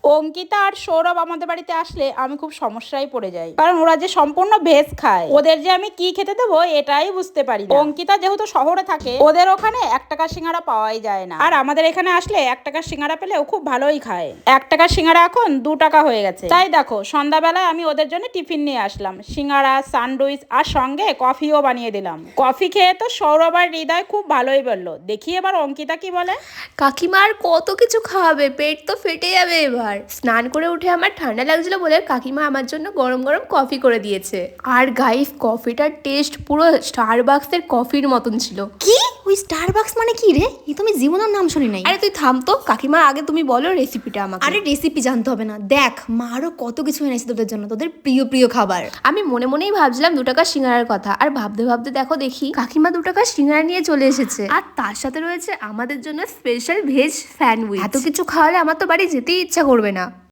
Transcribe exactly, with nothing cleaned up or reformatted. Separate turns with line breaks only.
অঙ্কিতা আর সৌরভ আমাদের বাড়িতে আসলে আমি খুব সমস্যায় পড়ে যাই, কারণ ওরা যে সম্পূর্ণ ভেজ খায়, ওদের যে আমি কি খেতে দেবো এটাই বুঝতে পারি না। অঙ্কিতা যেহেতু শহরে থাকে, ওদের ওখানে এক টাকার সিঙ্গারা পাওয়াই যায় না, আর আমাদের এখানে আসলে এক টাকার সিঙ্গারা পেলেও খুব ভালোই খায়। এক টাকার সিঙ্গারা এখন দু টাকা হয়ে গেছে। তাই দেখো সন্ধ্যাবেলায় আমি ওদের জন্য টিফিন নিয়ে আসলাম, সিঙ্গারা, স্যান্ডউইচ আর সঙ্গে কফিও বানিয়ে দিলাম। কফি খেয়ে তো সৌরভ আর হৃদয় খুব ভালোই বললো। দেখি এবার অঙ্কিতা কি বলে।
কাকিমার কত কিছু খাওয়াবে, পেট তো ফেটে যাবে এবার। স্নান করে উঠে আমার ঠান্ডা লাগছিল বলে কাকিমা আমার জন্য গরম গরম কফি করে দিয়েছে। আর গাইস, কফিটার টেস্ট পুরো স্টারবাক্সের কফির মতন ছিল।
কি ওই স্টারবাক্স মানে কি রে? এই তো আমি জীবনের নাম শুনি নাই।
আরে তুই থাম তো, কাকিমা আগে তুমি বলো রেসিপিটা আমাকে।
আরে রেসিপি জানতে হবে না, দেখ মা আরো কত কিছু এনেছে তোদের জন্য, তোদের প্রিয় প্রিয় খাবার।
আমি মনে মনেই ভাবছিলাম দু টাকার সিঙ্গারার কথা, আর ভাবতে ভাবতে দেখো দেখি কাকিমা দু টাকার সিঙ্গারা নিয়ে চলে এসেছে, আর তার সাথে রয়েছে আমাদের জন্য স্পেশাল ভেজ স্যান্ডউইচ। এত কিছু খাওয়ালে আমার তো বাড়ি যেতেই ইচ্ছা করবে না।